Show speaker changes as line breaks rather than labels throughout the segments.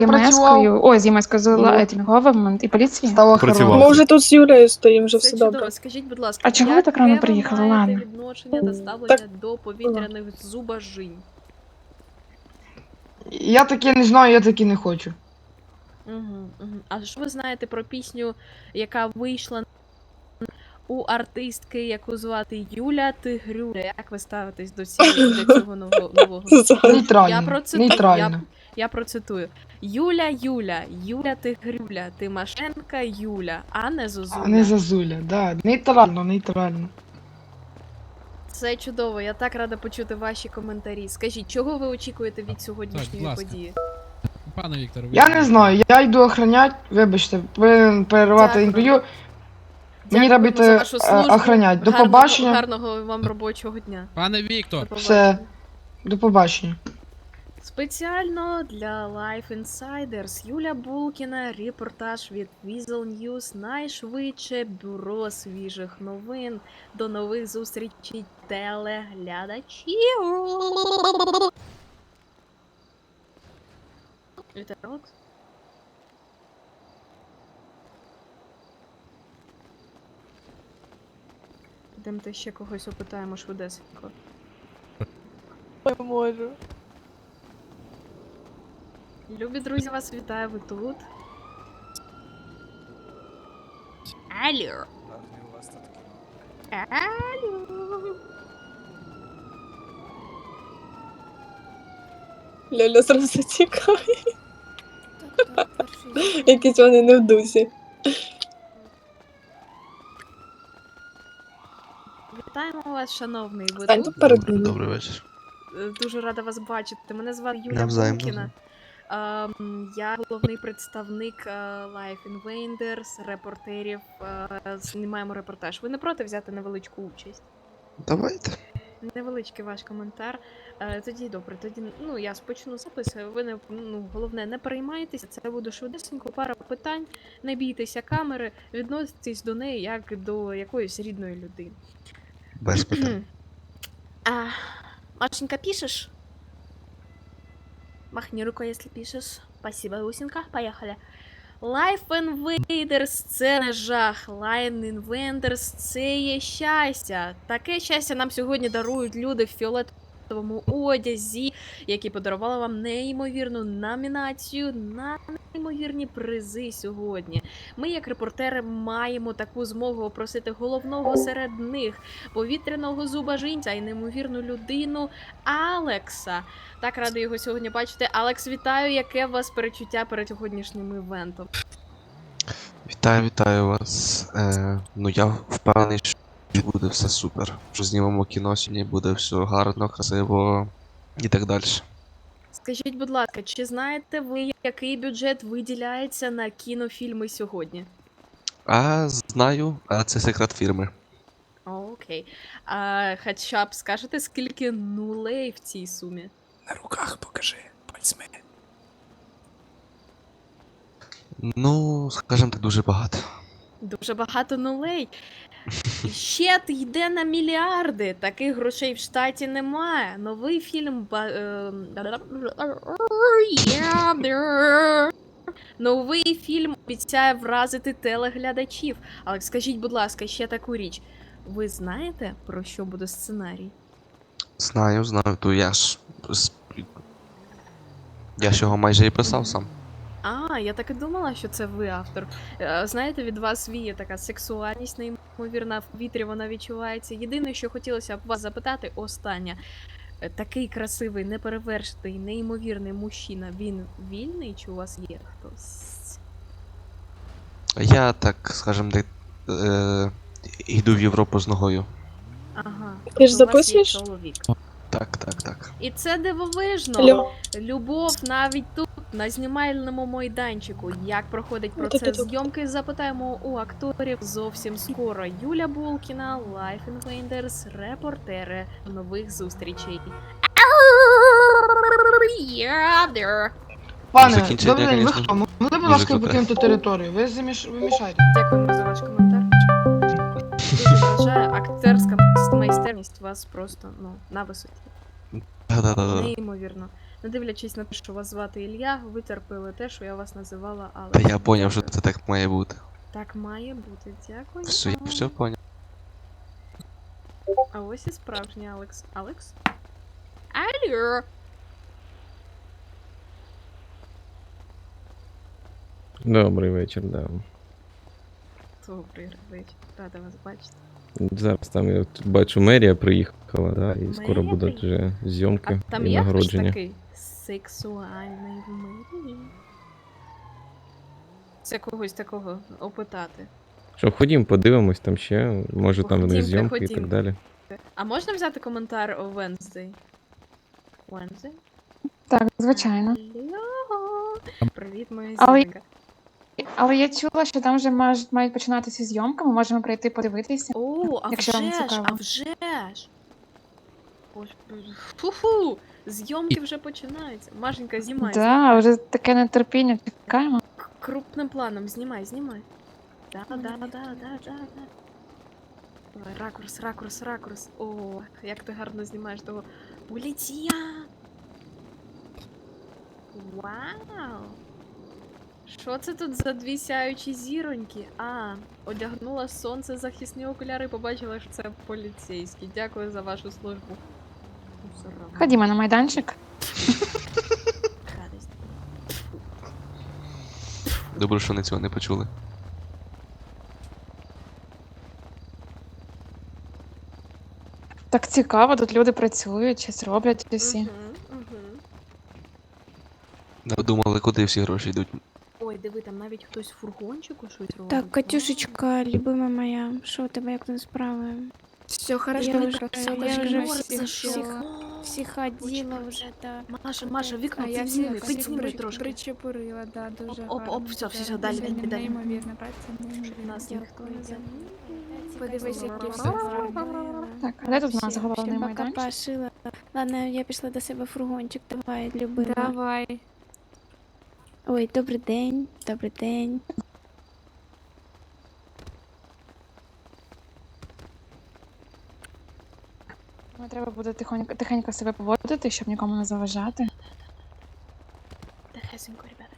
ЄМС-кою, ой, з ЄМС-кою, з
Ну.
Тінговим і поліції.
Стало
Працював.
хорошо.
Ми вже тут з Юлею стоїмо, вже
Це
все
чудово.
добре.
Скажіть, будь ласка,
А чого ви так рано
яке
приїхали,
ви маєте
Лана?
відношення та ставлення
Так,
до повітряних зубожінь?
Я таке не знаю, я таке не хочу.
А що ви знаєте про пісню, яка вийшла у артистки, яку звати Юля Тигрюля? Як ви ставитесь до цього нового?
Нейтрально. Нейтрально.
Я процитую. Юля Тигрюля, Тимошенка Юля, а не Зозуля.
А не Зазуля, да. Нейтрально, нейтрально.
Це чудово, я так рада почути ваші коментарі. Скажіть, чого ви очікуєте від сьогоднішньої
ласка.
події?
Пане Вікторе,
Я не знаю, я йду охранять, вибачте, повинен перервати
Дякую.
інтерв'ю. Мені
Дякуємо
треба
за
йти
вашу службу.
охранять. До
Гарного-
побачення.
Гарного вам робочого дня.
Пане Віктор,
До
Все.
побачення.
До побачення.
Спеціально для Life Insiders Юля Булкіна, репортаж від Weasel News, найшвидше бюро свіжих новин. До нових зустрічей, телеглядачів. Вітаю, Алекс. Підемте ще когось опитаємо швидесенько.
Не можу.
Любі друзі, вас вітаю, ви тут. Алло. Алло.
Ляля зразу затікає. Якісь вони не в дусі.
Вітаємо вас, шановний. Ви
Стань
тут?
тут перед ними.
Добрий вечір.
Дуже рада вас бачити. Мене звати Юля
Навзаєм,
Булкіна. Я головний представник Life Invaders, репортерів. Знімаємо репортаж. Ви не проти взяти невеличку участь?
Давайте.
Невеличкий ваш коментар. Тоді добре, тоді я спочну запис. Ви не головне, не переймайтеся. Це буде швидесенько, пара питань. Не бійтеся камери, відноситесь до неї як до якоїсь рідної людини.
Без питань.
Машенька, пишешь? Махни рукой, если пишешь. Спасибо, Усенька. Поехали. Life Invaders – це не жах. Life Invaders – це є щастя. Таке щастя нам сьогодні дарують люди в фіолетовому одязі, які подарували вам неймовірну номінацію на неймовірні призи сьогодні. Ми, як репортери, маємо таку змогу опросити головного серед них, повітряного зубожінця і неймовірну людину Алекса. Так рада його сьогодні бачити. Алекс, вітаю, яке у вас перечуття перед сьогоднішнім івентом?
Вітаю вас. Я впевнений, що буде все супер. Що знімемо кіно сьогодні, буде все гарно, красиво і так далі.
Скажіть, будь ласка, чи знаєте ви, який бюджет виділяється на кінофільми сьогодні?
Знаю, це секрет фірми.
Окей. Хоча б скажете, скільки нулей в цій сумі?
На руках покажи, пальцями.
Скажімо так, дуже багато.
Дуже багато нулей. Щит йде на мільярди. Таких грошей в штаті немає. Новий фільм... Новий фільм обіцяє вразити телеглядачів. Але скажіть, будь ласка, ще таку річ. Ви знаєте, про що буде сценарій?
Знаю, то я ж його майже і писав сам.
Я так і думала, що це ви автор. Знаєте, від вас віє така сексуальність неймовірна, в повітрі вона відчувається. Єдине, що хотілося б вас запитати, останнє. Такий красивий, неперевершений, неймовірний мужчина, він вільний чи у вас є хтось?
Я, так, скажімо так, йду в Європу з ногою.
Ага.
Ти ж
то у вас є
записуєш?
чоловік.
Так.
І це дивовижно.
Алло.
Любов навіть тут, на знімальному майданчику. Як проходить процес зйомки, запитаємо у акторів зовсім скоро. Юля Булкіна, Life Invaders, репортери. Нових зустрічей.
Пане,
Закінчення,
добрий день, ви
звісно,
хто? Могли, будь
дуже
ласка,
круте.
покинути територію? Ви мішаєте.
Дякуємо за ваш коментар. Дуже вважаю, акторська майстерність у вас просто, на висоті.
Да-да-да.
Неймовірно. Не дивлячись на те, що вас звати Ілля, ви терпили те, що я вас називала Алекс.
Та я поняв, що
Дякую.
це так має бути.
Так має бути, дякую.
Все, я все поняв.
А ось і справжній Алекс. Алекс? Алло!
Добрий вечір, да.
Добрий вечір, рада вас бачити.
Зараз там я тут бачу, мерія приїхала, да, і скоро
Мерія
будуть вже зйомки
А там
і
є хтось
нагородження.
такий сексуальний в мирі? Це когось такого опитати.
Що, ходім, подивимось там ще, може там вони
Ходімте,
зйомки і так
ходімте.
далі.
А можна взяти коментар о Wednesday? Wednesday?
Так, звичайно.
Алло! Привіт, моя
Але-
зірка.
Але я чула, що там вже мають починатися зйомки, ми можемо прийти подивитися.
О, а
Якщо вам
вже ж,
цікаво.
а вже ж! Ось, фу-фу! Зйомки вже починаються. Машенька, знімай.
Да, вже таке нетерпіння, чекаємо.
Крупним планом знімай, знімай. Да. Давай, ракурс. О, як ти гарно знімаєш того поліція. Вау! Що це тут за дві сяючі зіроньки? А, одягнула сонцезахисні окуляри і побачила, що це поліцейські. Дякую за вашу службу. Мусорам.
Ходімо на майданчик.
Гадость.
Добре, що вони цього не почули.
Так цікаво, тут люди працюють, щось роблять усі.
Мгм.
Не думали, куди всі гроші йдуть.
Ой, диви, там навіть хтось в фургончику щось робить.
Так, Катюшечка, любима моя, що у тебе як там справи?
Все
Я
хорошо,
вже-
красава.
я вже
Чорт,
всіх оділа вже, так.
Маша, вікно
А я
підзніми,
всіх
підзніми трошки.
Причепурила, да, дуже
Оп,
гарно.
все,
да.
далі,
Сьогодні
далі.
Неймовірна праця,
Щоб нас
неймовірна.
ніхто не замітив.
Подивись, які все
зробила.
Так, а де тут у нас головний
Ще
майданчик?
бока пошила. Ладно, я пішла до себе в фургончик, давай, любима.
Давай.
Ой, добрий день, добрий день.
Ну, треба буде тихенько себе поводити, щоб нікому не заважати.
Тихесенько, ребята.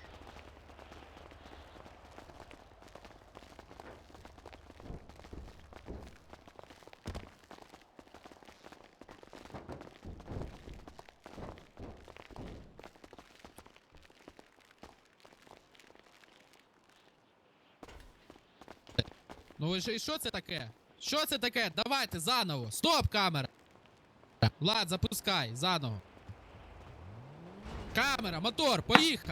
Ну і що це таке? Що це таке? Давайте заново. Стоп, камера. Влад, запускай, заново. Камера, мотор, поїхав.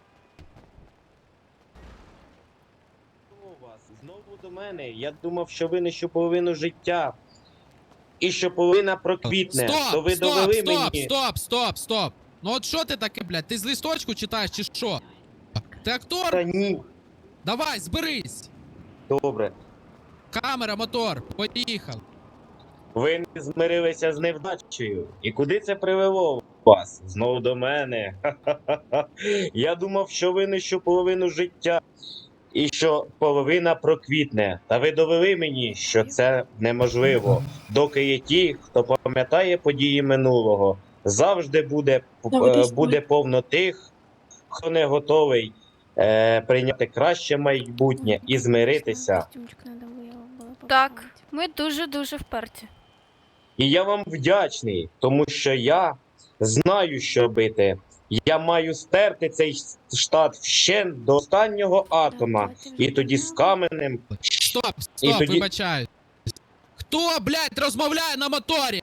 У вас знову до мене. Я думав, що ви нещу половину життя. І що половина проквітне. То ви довели мені.
Стоп. Ну от що ти таке, блядь? Ти з листочку читаєш чи що? Ти актор?
Та ні.
Давай, зберись.
Добре.
Камера, мотор, поїхав.
Ви не змирилися з невдачею. І куди це привело вас? Знову до мене. Ха-ха-ха. Я думав, що ви нещу половину життя. І що половина проквітне. Та ви довели мені, що це неможливо. Доки є ті, хто пам'ятає події минулого, завжди буде повно тих, хто не готовий прийняти краще майбутнє і змиритися.
Костюмчик надо було
Так,
попробувати.
ми дуже-дуже вперті.
І я вам вдячний, тому що я знаю, що робити. Я маю стерти цей штат вщент до останнього атома. І тоді з каменем.
Стоп,
І тоді-
вибачаю. Хто, блядь, розмовляє на моторі?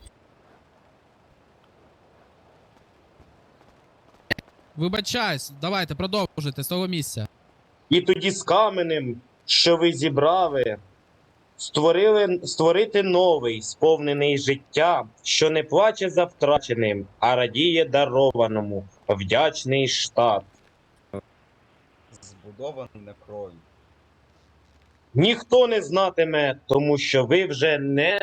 Вибачаюсь, давайте продовжуйте з того місця.
І тоді з каменем, що ви зібрали, створити новий, сповнений життя, що не плаче за втраченим, а радіє дарованому, вдячний штат.
Збудований на крові.
Ніхто не знатиме, тому що ви вже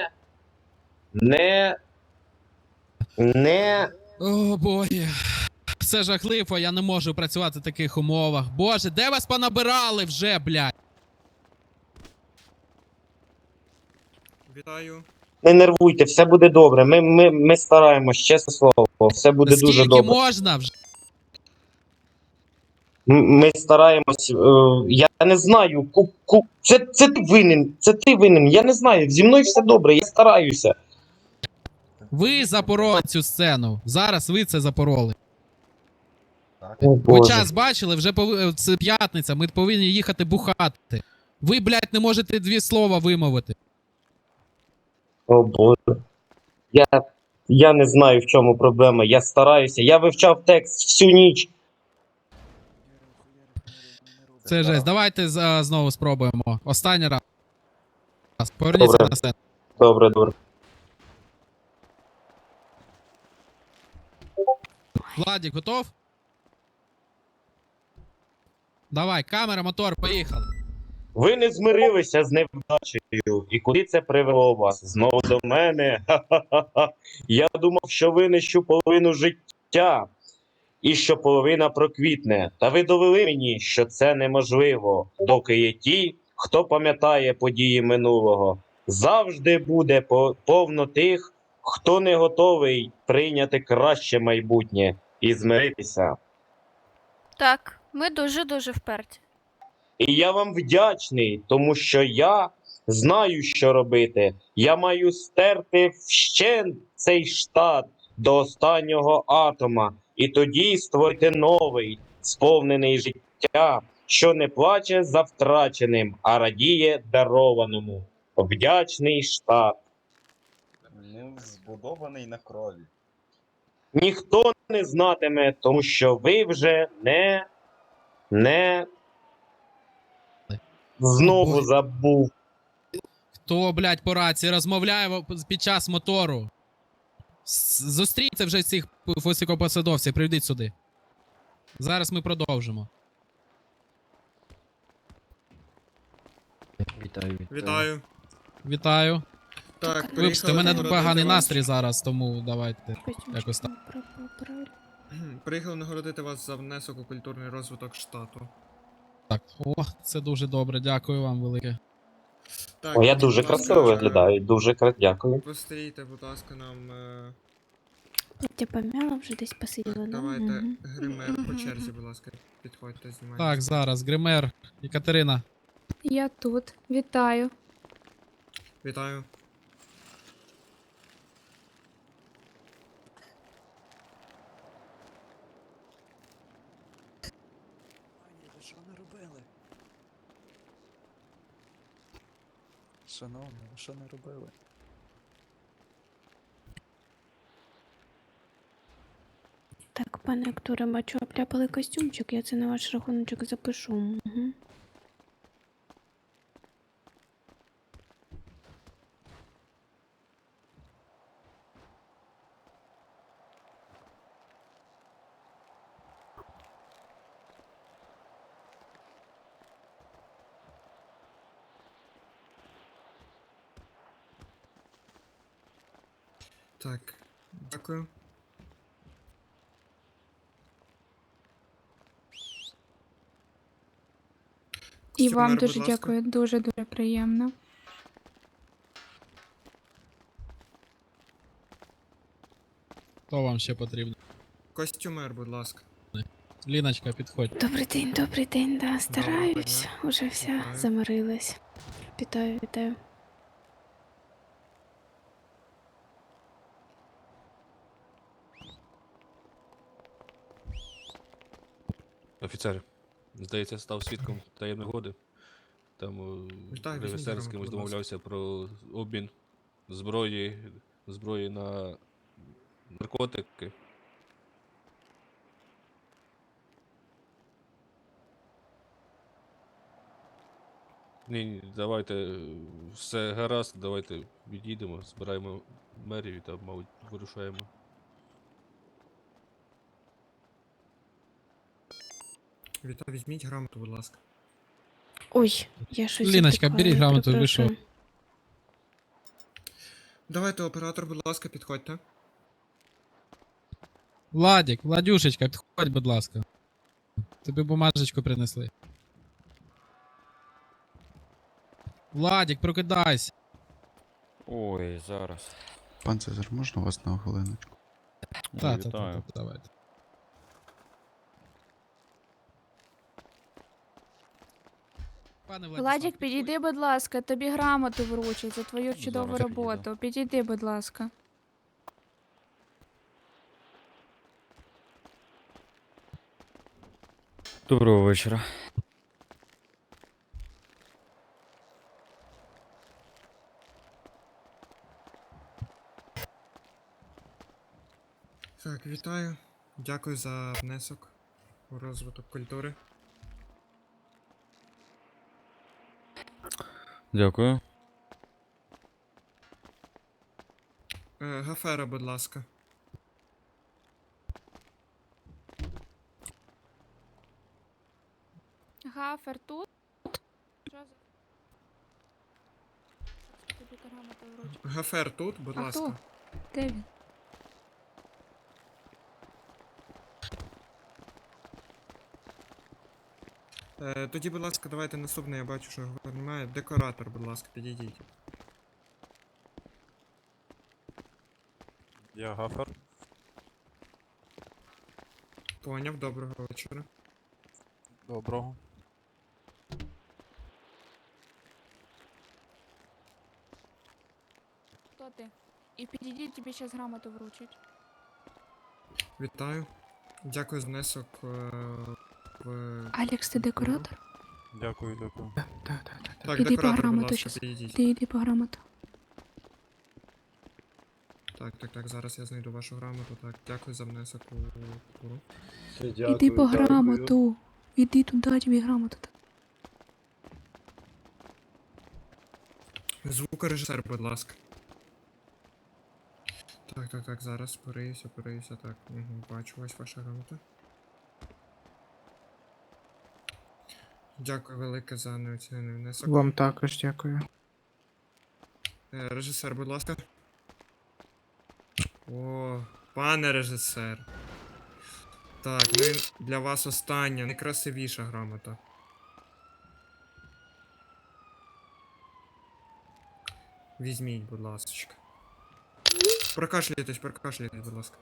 не
О, боже. Це жахливо, я не можу працювати в таких умовах. Боже, де вас понабирали вже, блядь?
Вітаю.
не нервуйте, все буде добре. Ми стараємось, чесне слово, все буде дуже
Скільки
добре.
можна вже?
Ми стараємось, я не знаю, це ти винен, я не знаю, зі мною все добре, я стараюся.
Ви запороли цю сцену. Зараз ви це запороли.
О,
Ви
Боже.
час бачили, вже це п'ятниця, ми повинні їхати бухати. Ви, блядь, не можете 2 слова вимовити.
О Боже. Я не знаю, в чому проблема, я стараюся, я вивчав текст всю ніч.
Це жесть. Давайте знову спробуємо. Останній раз. Поверніться
Добре.
на сцену.
Добре.
Владик, готов? Давай, камера, мотор, поїхали.
Ви не змирилися з невдачею, і куди це привело вас? Знову до мене? Ха-ха-ха. Я думав, що винищу половину життя, і що половина проквітне. Та ви довели мені, що це неможливо, доки є ті, хто пам'ятає події минулого. Завжди буде повно тих, хто не готовий прийняти краще майбутнє і змиритися.
Так, ми дуже-дуже вперті.
І я вам вдячний, тому що я знаю, що робити. Я маю стерти вщент цей штат до останнього атома, і тоді створити новий, сповнений життя, що не плаче за втраченим, а радіє дарованому. Вдячний штат.
Збудований на крові.
Ніхто не знатиме, тому що ви вже не знову забув.
Хто, блядь, по рації розмовляє під час мотору? Зустрійте вже цих високопосадовців, приведіть сюди. Зараз ми продовжимо.
Вітаю.
Вітаю.
Так,
Вибачте, у мене поганий настрій зараз, тому давайте якось так.
Приїхали нагородити вас за внесок у культурний розвиток штату.
Так, о, це дуже добре, дякую вам велике.
Так,
О, я
будь
дуже
ласка,
красиво виглядаю, дуже дякую.
Пострійте, будь ласка, нам.
Я помяла, вже десь посиділа. да?
Давайте
Мгм.
гример по черзі, будь ласка, підходьте, знімайте.
Так, зараз, гример, Екатерина.
Я тут. Вітаю.
Вітаю.
Що наробили? Шановні, ви що не робили?
Так, пане акторе, бачу, обляпали костюмчик, я це на ваш рахуночок запишу. Угу.
Так, дякую.
І вам
Костюмер,
дуже
будь ласка.
дякую, дуже-дуже приємно.
Хто вам ще потрібно?
Костюмер, будь ласка.
Ліночка, підходь.
Добрий день, да, стараюсь. Уже вся
Вітаю.
замирилась. Вітаю, вітаю.
Офіцер, здається, став свідком таємної угоди. Там
Вітаю,
режисер з
візьміть
кимось
грамоту, будь
домовлявся про обмін зброї на наркотики. Ні, давайте, все гаразд, давайте відійдемо, збираємо мерію та, мабуть, вирушаємо.
Вітаю, візьміть грамоту, будь ласка.
Ой, я щось
Ліночка,
запекла,
беріть
я
грамоту, ви
перепрошую.
що?
Давайте, оператор, будь ласка, підходьте.
Владик, Владюшечка, підходь, будь ласка. Тобі бумажечку принесли. Владик, прокидайся.
Ой, зараз.
Пан Цезар, можна вас на хвилиночку?
Та, давайте. Пане Владислав,
Владік, підійди, будь ласка, тобі грамоту вручать за твою чудову
Зараз підійду.
роботу. Підійди, будь ласка.
Доброго вечора.
Так, вітаю. Дякую за внесок у розвиток культури.
Дякую.
Гафера, будь ласка.
Гафер тут? Що за- Тобі грамоту вручать.
Гафер тут, будь
А
ласка.
хто? Де він?
Тоді, будь ласка, давайте наступний, я бачу, що його немає. Декоратор, будь ласка, підійдіть.
Я Гафер.
Поняв, доброго вечора.
Доброго.
Хто ти? І підійдіть, тобі зараз грамоту вручать.
Вітаю. Дякую за внесок в...
Алекс, ти декоратор?
Дякую, дякую.
Так,
Іди по
декоратор, будь
грамоту
ласка,
щас.
підійдіть.
Ти йди по грамоту.
Так, зараз я знайду вашу грамоту. Так, дякую за внесок у культуру.
Іди по грамоту. Іди туди, тобі грамоту.
Звукорежисер, будь ласка. Так, зараз пориюся, так. Бачу ось ваша грамота. Дякую велике за неоцінений внесок.
Вам також дякую.
Режисер, будь ласка. О, пане режисер. Так, ну і для вас остання, найкрасивіша грамота. Візьміть, будь ласка. Прокашляйтесь, будь ласка.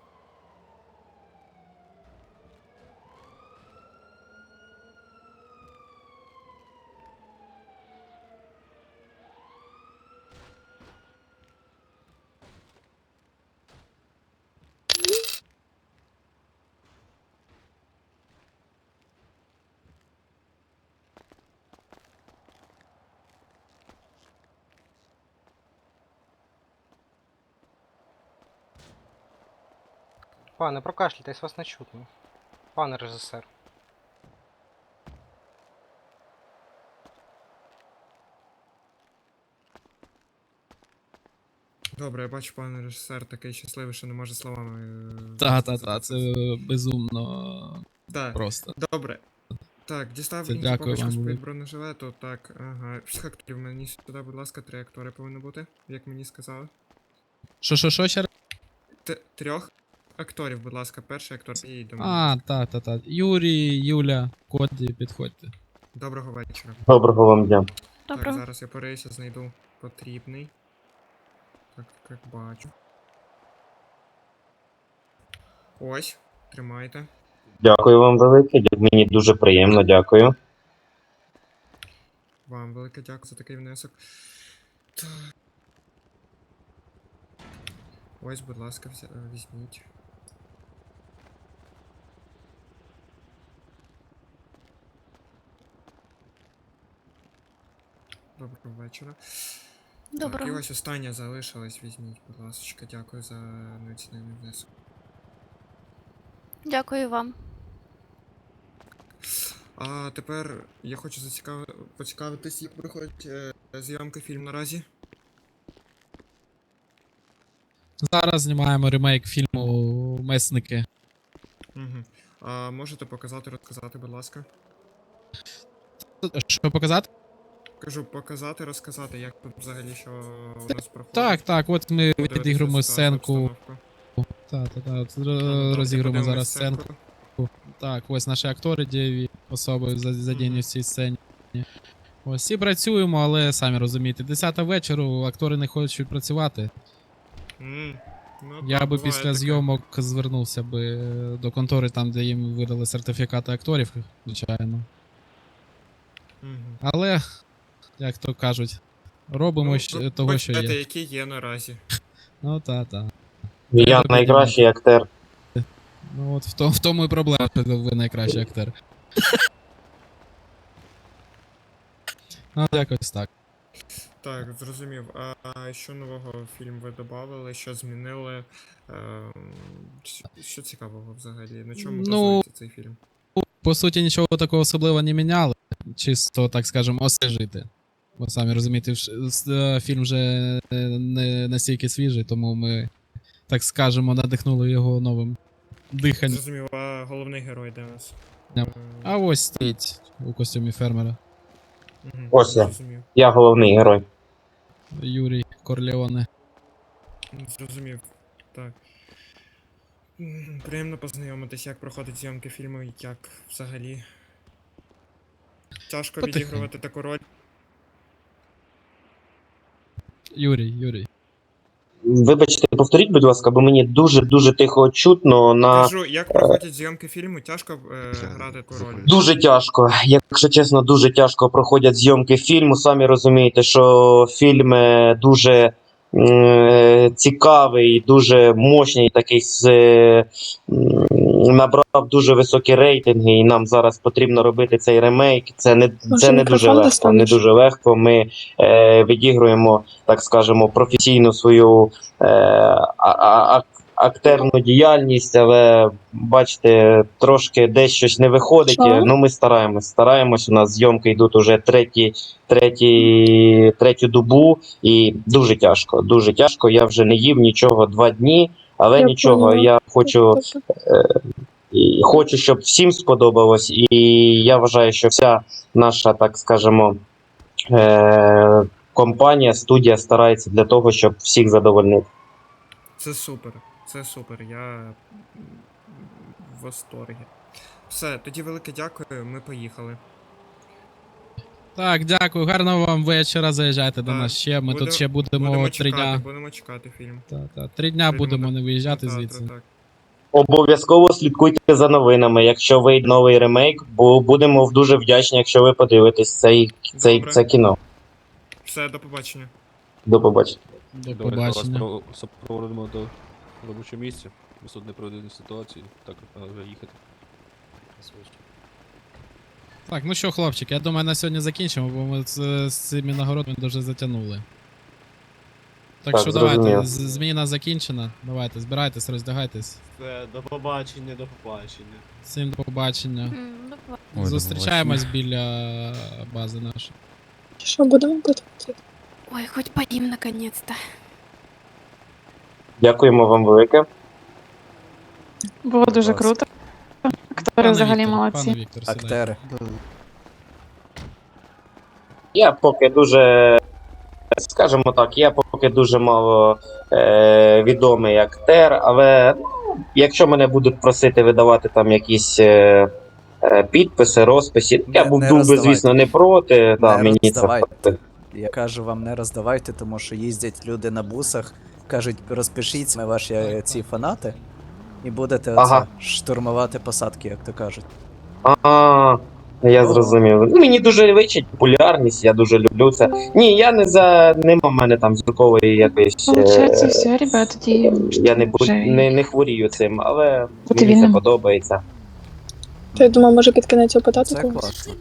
Пане, прокашляйтесь, вас не чутно. Пане режисер.
Добре, я бачу, пане режисер такий щасливий, що не може словами.
Та, це безумно
Так,
просто.
добре. Так, дістав
Це
іншу
дякую
папочку
вам
з-під
велике.
бронежилету. Так, ага. Всіх акторів мені сюди, будь ласка, 3 актори повинно бути, як мені сказали.
Що, ще раз?
3 акторів, будь ласка, перший актор і до мене.
А, та. Юрій, Юля, Коді, підходьте.
Доброго вечора.
Доброго вам дня.
Так,
Доброго.
зараз я пориюся, знайду потрібний. Так, як бачу. Ось, тримайте.
Дякую вам велике, мені дуже приємно, дякую.
Вам велике дякую за такий внесок. Так. Ось, будь ласка, візьміть. Доброго вечора. Так, і
Доброго.
ось остання залишилась, візьміть, будь ласка, дякую за неоцінений внесок.
Дякую вам.
А тепер я хочу поцікавитись, як проходить зйомка фільму наразі.
Зараз знімаємо ремейк фільму Месники.
Угу. А можете показати, розказати, будь ласка?
Що показати?
Кажу, показати, розказати, як тут взагалі що у нас проходить.
Так, от ми
Подивитися
відігруємо
ситуацію,
сценку.
обстановку.
Та, розігруємо
Подивимось
зараз сценку. Так, ось наші актори, дієві особи задіяні в цій сцені. Ось всі працюємо, але самі розумієте, 10 вечора, актори не хочуть працювати.
Ну,
Я
так,
би
буває
після
таке.
зйомок звернувся би до контори, там, де їм видали сертифікати акторів, звичайно.
Мгм.
Але, як то кажуть, робимо того, що
Бачите,
є.
які є наразі.
Ну та.
Я
Треба
найкращий актер.
Ну от в тому і проблема, що ви найкращий актер. Ну, якось так.
Так, зрозумів. А що нового фільм ви додали, що змінили? Що цікавого взагалі? На чому
Ну,
базується цей фільм?
По суті, нічого такого особливого не міняли. Чисто, так скажемо, освіжити. Бо самі розумієте, фільм вже не настільки свіжий, тому ми, так скажемо, надихнули його новим диханням.
Зрозумів, а головний герой де у нас?
А ось стоїть у костюмі фермера.
Мгм,
Ось я.
Зрозумів.
Я головний герой.
Юрій Корлеоне.
Зрозумів. Так. Приємно познайомитись, як проходять зйомки фільму, як взагалі. Тяжко
Потихеньку.
відігрувати таку роль.
Юрій.
Вибачте, повторіть, будь ласка, бо мені дуже тихо чутно на.
Кажу, як проходять зйомки фільму, тяжко грати таку роль.
Дуже тяжко. Якщо чесно, дуже тяжко проходять зйомки фільму. Самі розумієте, що фільм дуже цікавий, дуже мощний, такий набрав дуже високі рейтинги, і нам зараз потрібно робити цей ремейк. Це не дуже легко. Не дуже легко. Ми відігруємо, так скажемо, професійну свою актерну діяльність, але бачите, трошки десь щось не виходить.
Що?
Ну, ми стараємось. У нас зйомки йдуть уже третю добу, і дуже тяжко. Я вже не їв нічого 2 дні, але
Я
нічого,
поняла.
я хочу, щоб всім сподобалось, і я вважаю, що вся наша, так скажемо, компанія, студія старається для того, щоб всіх задовольнити.
Це супер. Це супер. Я в восторгі. Все, тоді велике дякую, ми поїхали.
Так, дякую, гарного вам вечора, заїжджайте до
Так,
нас ще, ми тут ще
Будемо
будемо 3 дня.
Будемо чекати фільм.
3 дня будемо
так.
не виїжджати
Так,
звідси.
так.
Обов'язково слідкуйте за новинами. Якщо вийде новий ремейк, бо будемо дуже вдячні, якщо ви подивитесь це кіно.
Все, до побачення.
До побачення.
До побачення.
Супроводимо до робочого місця. Ми тут не проведені ситуації, так треба вже їхати.
Так, ну що, хлопчики, я думаю, на сьогодні закінчимо, бо ми з цими нагородами дуже затягнули. Так що
зрозуміло.
давайте, зміна закінчена. Давайте, збирайтесь, роздягайтесь.
Все, до побачення.
Всім до побачення.
Ой, до
Зустрічаємось біля бази нашої.
Що, будемо готувати?
Ой, хоть поим наконец-то.
Дякуємо вам велике.
Було дуже круто. Актори взагалі молодці.
Пане Віктор, сідайте.
Я поки дуже, скажімо так, я поки дуже мало відомий актер, але якщо мене будуть просити видавати там якісь підписи, розписи, я був би, звісно, не проти. Мені це
Я кажу вам, не роздавайте, тому що їздять люди на бусах, кажуть, розпишіться ми ваші ці фанати, і будете штурмувати посадки, як то кажуть.
Я зрозумів. Ну, мені дуже личить популярність, я дуже люблю це. Ні, я нема в мене там зіркової якоїсь.
Получається, все, ребят, тоді.
Я не хворію цим, але
Бути
мені це
вільним.
подобається.
Ти думав, може під кінець опитати
Це
когось?
класно.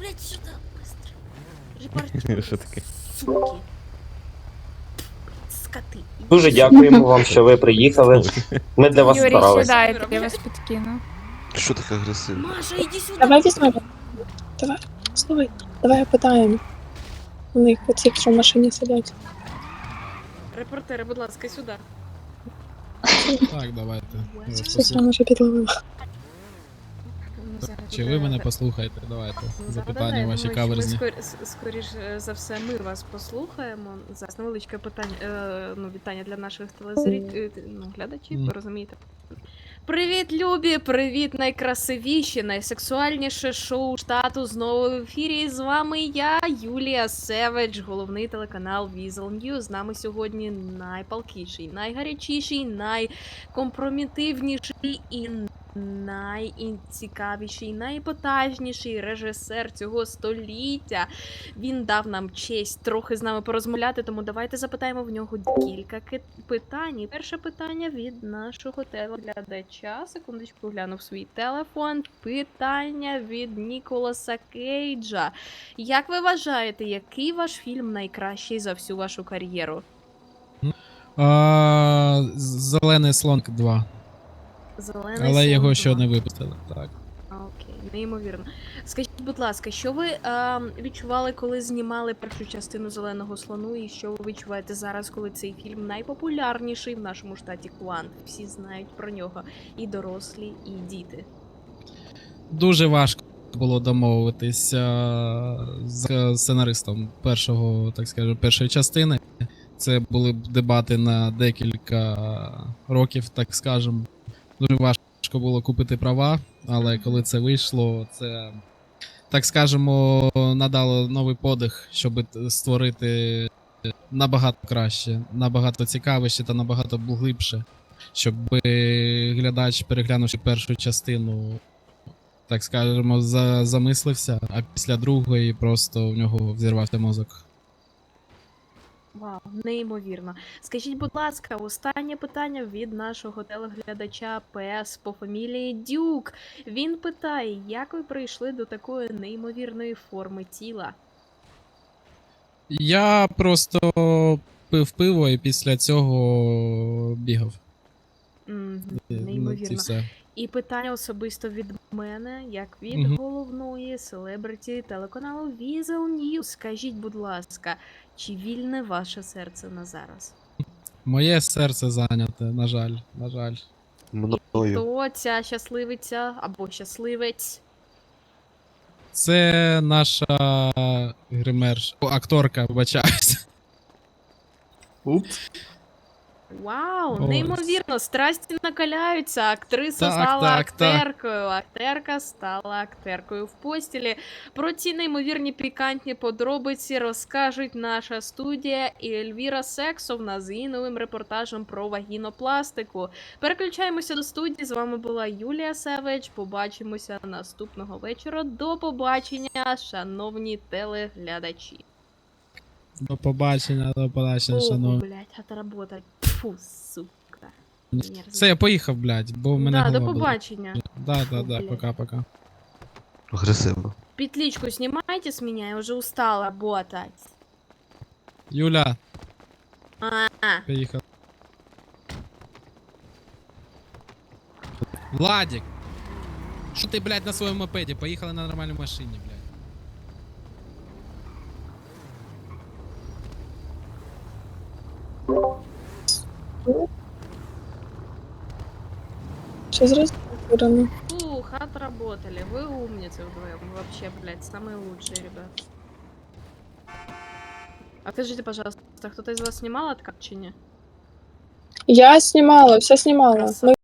Що таке?
Суки. Скоти.
Дуже дякуємо вам, що ви приїхали. Ми для вас старалися.
сідайте, я вас підкину.
Що таке агресивно?
Маша, іди сюди.
Давай візьмемо. Давай, слухай, давай опитаємо. У них оці, що в машині сидять.
Репортери, будь ласка, сюди.
Так, давайте.
Сестра може підловила.
Чи ви мене послухаєте? Давайте. Запитання ваші
Ми
каверзні.
скоріш за все, ми вас послухаємо. Зараз невеличке питання, вітання для наших глядачів,
Мгм.
ви розумієте. Привіт, любі! Привіт, найкрасивіші, найсексуальніше шоу штату знову в ефірі. І з вами я, Юлія Севедж, головний телеканал Weasel News. З нами сьогодні найпалкіший, найгарячіший, найкомпромітивніший і найцікавіший, найепатажніший режисер цього століття. Він дав нам честь трохи з нами порозмовляти, тому давайте запитаємо в нього кілька питань. І перше питання від нашого телеглядача. Секундочку, глянув свій телефон. Питання від Ніколаса Кейджа. Як ви вважаєте, який ваш фільм найкращий за всю вашу кар'єру?
Зелений слон 2.
Зелений
Але
слон
його
2.
ще не випустили. Так.
Окей, неймовірно. Скажіть, будь ласка, що ви відчували, коли знімали першу частину Зеленого слону, і що ви відчуваєте зараз, коли цей фільм найпопулярніший в нашому штаті Квант? Всі знають про нього, і дорослі, і діти.
Дуже важко було домовитися з сценаристом першої частини. Це були дебати на декілька років, так скажемо. Дуже важко було купити права, але коли це вийшло, це, так скажемо, надало новий подих, щоб створити набагато краще, набагато цікавіше та набагато глибше, щоб глядач, переглянувши першу частину, так скажемо, замислився, а після другої просто в нього взірвався мозок.
Вау, неймовірно. Скажіть, будь ласка, останнє питання від нашого телеглядача ПС по фамілії Дюк. Він питає, як ви прийшли до такої неймовірної форми тіла?
Я просто пив пиво і після цього бігав.
Неймовірно.
І все.
І питання особисто від мене, як від головної селебриті телеканалу Weasel News. Скажіть, будь ласка, чи вільне ваше серце на зараз?
Моє серце зайняте, на жаль, на жаль.
Мною.
Хто ця щасливиця або щасливець?
Це наша акторка, вибачаюсь.
Упс.
Вау,
Ось.
неймовірно, страсті накаляються. Актриса
Так,
стала
так, так.
актеркою. Актерка стала актеркою в постілі. Про ці неймовірні пікантні подробиці розкажуть наша студія і Ельвіра Сексовна з її новим репортажем про вагінопластику. Переключаємося до студії. З вами була Юлія Севедж. Побачимося наступного вечора. До побачення, шановні телеглядачі.
До побачення, шановні.
Блять, отработать. Фу, сука. Мерзость.
Все, я поїхав, блядь, бо в мене
Да,
голова
до
болить.
побачення.
Да,
Фу, блядь.
пока-пока.
Агресивно.
Петличку снимайте с меня, я уже устала работать.
Юля,
А,
поїхав. Владик! Що ти, блядь, на своєму мопеді? Поїхали на нормальній машині, блядь.
Що зразу вибрано?
Фух, отработали. Вы умницы вдвоем. Вы вообще, блядь, самые лучшие, ребят. А скажите, пожалуйста, кто-то из вас снимал откат чи не?
Я знімала, все знімала.
Красава.